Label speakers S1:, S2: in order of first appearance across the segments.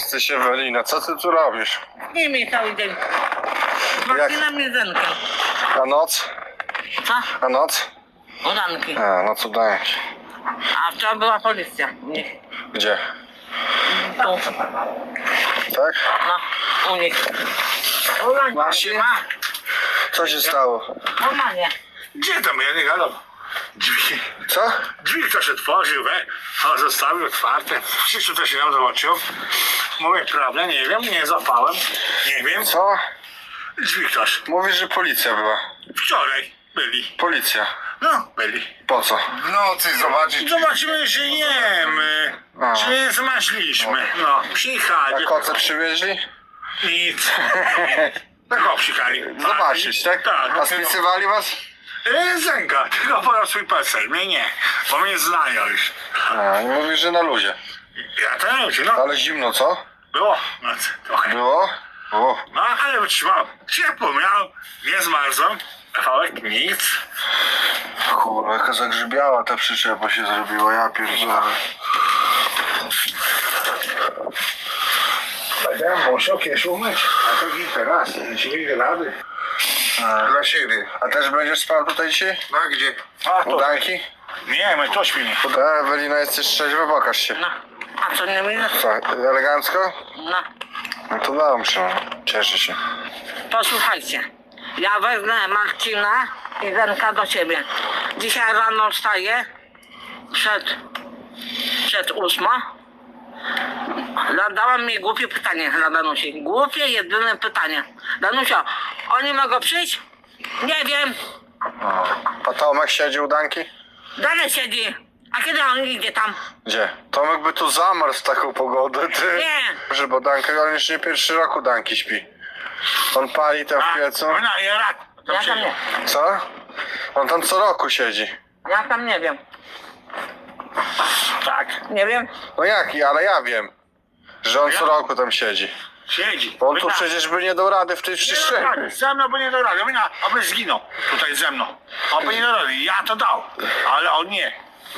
S1: jesteś, Ewelina? Co ty tu robisz?
S2: Nie miej cały dzień. Marcina mnie zenka.
S1: A noc?
S2: Co?
S1: A noc?
S2: Udanki.
S1: A, no co dajesz?
S2: A wczoraj była policja. U nich.
S1: Gdzie?
S2: Tu.
S1: Tak?
S2: No, u nich.
S1: Marcin? Co się stało?
S2: Normalnie.
S3: Gdzie tam? Ja nie gadam. Drzwi.
S1: Co?
S3: Drzwi ktoś otworzył, a zostawił otwarte. W życiu też się nam zobaczył. Mówię prawdę, nie wiem, nie zapałem. Nie wiem.
S1: Co?
S3: Drzwi ktoś.
S1: Mówisz, że policja była.
S3: Wczoraj byli.
S1: Policja.
S3: No, byli.
S1: Po co?
S4: W nocy zobaczyć.
S3: Zobaczymy, że jemy.
S1: A.
S3: Czy nie zmaśliśmy. No,
S1: A
S3: przyjechali.
S1: koce przywieźli?
S3: Nic. Tak przyjechali.
S1: Zobaczyć, tak?
S3: Tak.
S1: A spisywali was?
S3: Zenka, tylko podał swój PESEL. Mnie nie, bo mnie znają już.
S1: A, i mówisz, że na luzie.
S3: Ja też, no.
S1: Ale zimno, co?
S3: Było, no, trochę.
S1: Było? O.
S3: No, ale wytrzymał. Ciepło miał, nie zmarzłem. Kawałek nic.
S1: Kurwa, jaka zagrzybiała ta przyczepa się zrobiła, ja pierdolę.
S3: Będę musiał kiedyś umyć, a to kilka raz, nie rady.
S4: Dla siebie.
S1: A też będziesz spał tutaj dzisiaj?
S4: No a gdzie?
S3: A to,
S1: Udanki?
S3: nie, my to śpimy.
S1: Ewelina, jesteś trzeźwa, pokaż się.
S2: No. A co nie minę?
S1: Co, elegancko?
S2: No.
S1: No to dobrze, cieszę się.
S2: Posłuchajcie. Ja wezmę Marcina i Zenka do siebie. Dzisiaj rano wstaję przed 8. Zadała mi głupie pytanie na Danusi. Głupie, jedyne pytanie. Danusia, oni mogą przyjść? Nie wiem.
S1: A Tomek siedzi u Danki?
S2: Dalej siedzi. A kiedy on idzie tam?
S1: Gdzie? Tomek by tu zamarł w taką pogodę, ty.
S2: Nie.
S1: Proszę, bo Danka, on już nie pierwszy rok u Danki śpi. On pali tam w piecu.
S3: No, ja rad. To
S2: Ja tam
S3: przyjdzie.
S2: nie.
S1: Co? On tam co roku siedzi.
S2: Ja tam nie wiem.
S3: Tak,
S2: Nie wiem.
S1: No jaki, ale ja wiem, że on co
S3: Ja?
S1: roku tam siedzi.
S3: siedzi.
S1: Bo on tu
S3: Wyda-
S1: przecież by nie dał rady w tej
S3: Nie dał
S1: przestrzeni.
S3: rady, ze mną by nie dał rady. Aby zginął tutaj ze mną. On by nie dał rady. Ja to dał, ale on nie.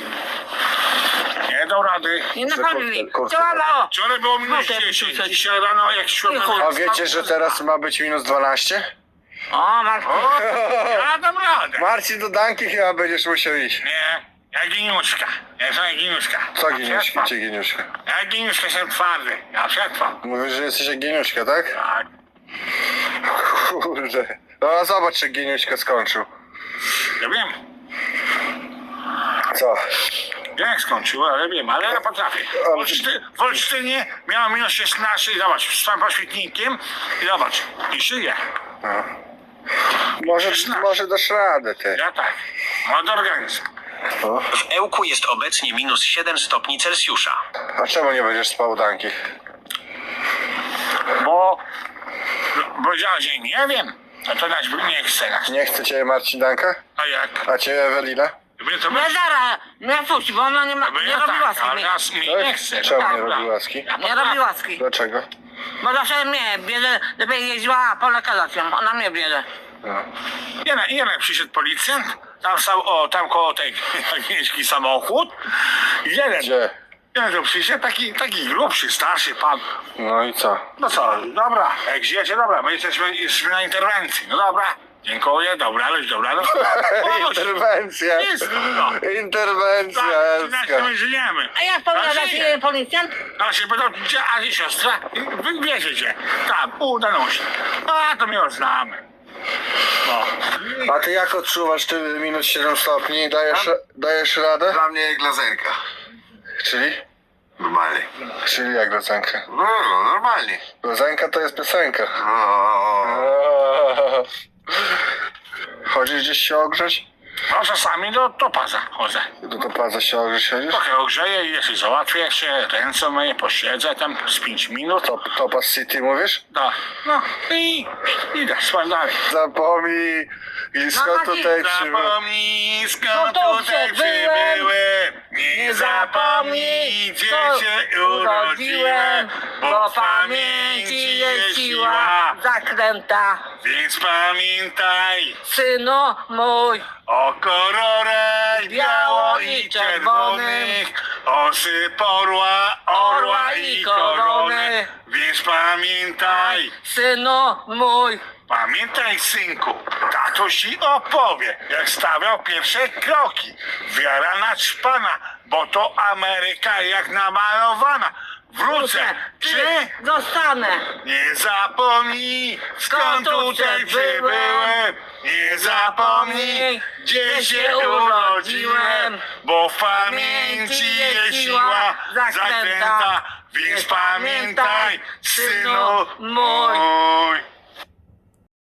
S3: Nie dał rady.
S2: Nie naprawdę mi.
S1: kurczę,
S2: Co mało?
S3: Wczoraj było minus 10, dzisiaj rano jak szłem
S2: Cicho.
S3: na...
S1: A wiecie, że teraz ma być minus 12?
S2: O, Marcin.
S3: O, ja dam radę.
S1: Marcin, do Danki chyba będziesz musiał iść.
S3: Nie, ja giniuszka. Ja jestem giniuszka.
S1: Co Giniuszka, czy Giniuszka?
S3: Ja giniuszka jestem twardy. Ja przetrwam.
S1: Mówisz, że jesteś jak Giniuszka, tak?
S3: Tak.
S1: Kurde. No a zobacz, czy Giniuszka skończył.
S3: Ja wiem.
S1: Co?
S3: Ja jak skończył, ale wiem, ale ja potrafię. W Olsztynie miałem minus 16 i zobacz, wstałem po świetnikiem i zobacz, i żyję.
S1: No. Może dasz radę, ty.
S3: Ja tak. Mam organizm.
S1: No.
S5: W Ełku jest obecnie minus 7 stopni Celsjusza.
S1: A czemu nie będziesz spał u Danki?
S3: Bo powiedziała, że nie wiem. No to dać nie chce nas.
S1: Nie chce cię Marcin Danka?
S3: A jak?
S1: A cię Ewelina?
S3: Mnie to
S2: Nie zaraz, nie puść, bo ona nie, nie robi łaski
S3: ale
S2: mi.
S3: nas mi nie chce.
S1: Czemu nie
S3: Dobra.
S1: robi łaski?
S3: Ja
S2: Nie robi łaski.
S1: Dlaczego?
S2: Bo zawsze mnie bierze, lepiej jeździła po lekarzacją. Ona mnie bierze.
S1: No.
S3: Jeden przyszedł policjant, tam stał, tam koło tej jakiś samochód. Jeden
S1: Gdzie?
S3: tu przyszedł, taki grubszy, starszy pan.
S1: No i co?
S3: No co, dobra, jak żyjecie, dobra, my jesteśmy na interwencji. No dobra, dziękuję, dobra, no.
S1: Interwencja!
S3: Jest, no.
S1: Interwencja,
S3: Tak,
S1: Elska.
S3: my żyjemy.
S2: A jak powiada
S3: żyje.
S2: ci policjant?
S3: A się pytał, gdzie Asi siostra? Wy wiecie, tam, u Danusi. No, a to my ją znamy. No.
S1: A ty jak odczuwasz ty minus 7 stopni? Dajesz radę?
S4: Dla mnie jak dla Zenka.
S1: Czyli?
S4: Normalnie.
S1: Czyli jak Lozenka?
S4: No, normalnie.
S1: Lozenka to jest piosenka.
S4: No.
S1: Chodzisz gdzieś się ogrzeć?
S3: No czasami do topaza chodzę.
S1: Do topaza się ogrzeć chodzisz?
S3: Trochę ogrzeję i jeśli załatwię jeszcze ręce moje, posiedzę tam z 5 minut.
S1: Topaz City mówisz?
S3: Da. No i idę, spałem dalej.
S1: Zapomnij, i skąd tutaj przybył.
S3: Zapomnij,
S2: No
S3: skąd
S2: to
S3: tutaj
S2: przybyłem.
S3: przybyłem. Nie zapomnij, gdzie się urodziłem. Bo w pamięci jest siła.
S2: Zakręta.
S3: Więc pamiętaj
S2: Synu mój.
S3: o kolorach biało i czerwonych, osy porła, orła i korony. Więc pamiętaj,
S2: synu mój.
S3: pamiętaj synku, tato ci opowie, jak stawiał pierwsze kroki. Wiara naćpana, bo to Ameryka jak namalowana. Wrócę, czy
S2: Zostanę.
S3: nie zapomnij, skąd tutaj przybyłem. Nie zapomnij, gdzie się urodziłem, bo w pamięci jest siła zakręta. Więc pamiętaj, synu mój.